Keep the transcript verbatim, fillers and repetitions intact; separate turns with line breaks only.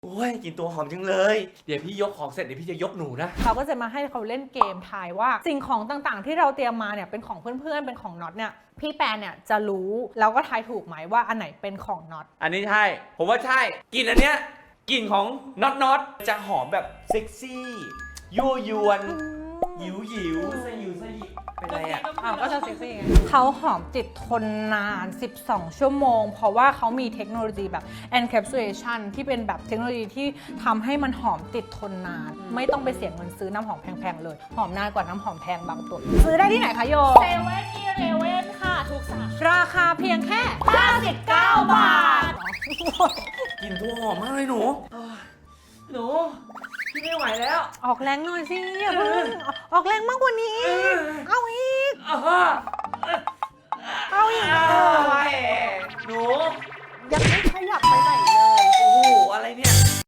โอ้ยกินตัวหอมจังเลยเดี๋ยวพี่ยกของเสร็จเดี๋ยวพี่จะยกหนูนะ
เขาก็จะมาให้เขาเล่นเกมทายว่าสิ่งของต่างๆที่เราเตรียมมาเนี่ยเป็นของเพื่อนๆเป็นของน็อตเนี่ยพี่แปนเนี่ยจะรู้แล้วก็ทายถูกไหมว่าอันไหนเป็นของน็อต
อันนี้ใช่ผมว่าใช่กลิ่นอันเนี้ยกลิ่นของน็อตน็อตจะหอมแบบเซ็กซี่ยั่วยวนหยิวหยิวสยิวสยิวเป็นไรอ่ะ
อ้าวก็จะเซ็กซี่ไงเขาหอมติดทนนานสิบสองชั่วโมงเพราะว่าเขามีเทคโนโลยีแบบ encapsulation ที่เป็นแบบเทคโนโลยีที่ทำให้มันหอมติดทนนานไม่ต้องไปเสียเงินซื้อน้ำหอมแพงๆเลยหอมนานกว่าน้ำหอมแพงบางตัวซื้อได้ที่ไหนคะโย
เซเว่นอีเลเว่นค่ะทุกสาขา
ราคาเพียงแค่
ห้าสิบเก้าบาท
กลิ่นตัวหอมมากเลยหนูหนูพี่ไม่ไหวแล้ว
ออกแรงหน่อยสิอย่าเพิ่งออกแรงมากกว่านี้เอาอีกเอาอีก
อะไรหนู
ยังไม่ขยับไปไหนเลย
โอ้โหอะไรเนี่ย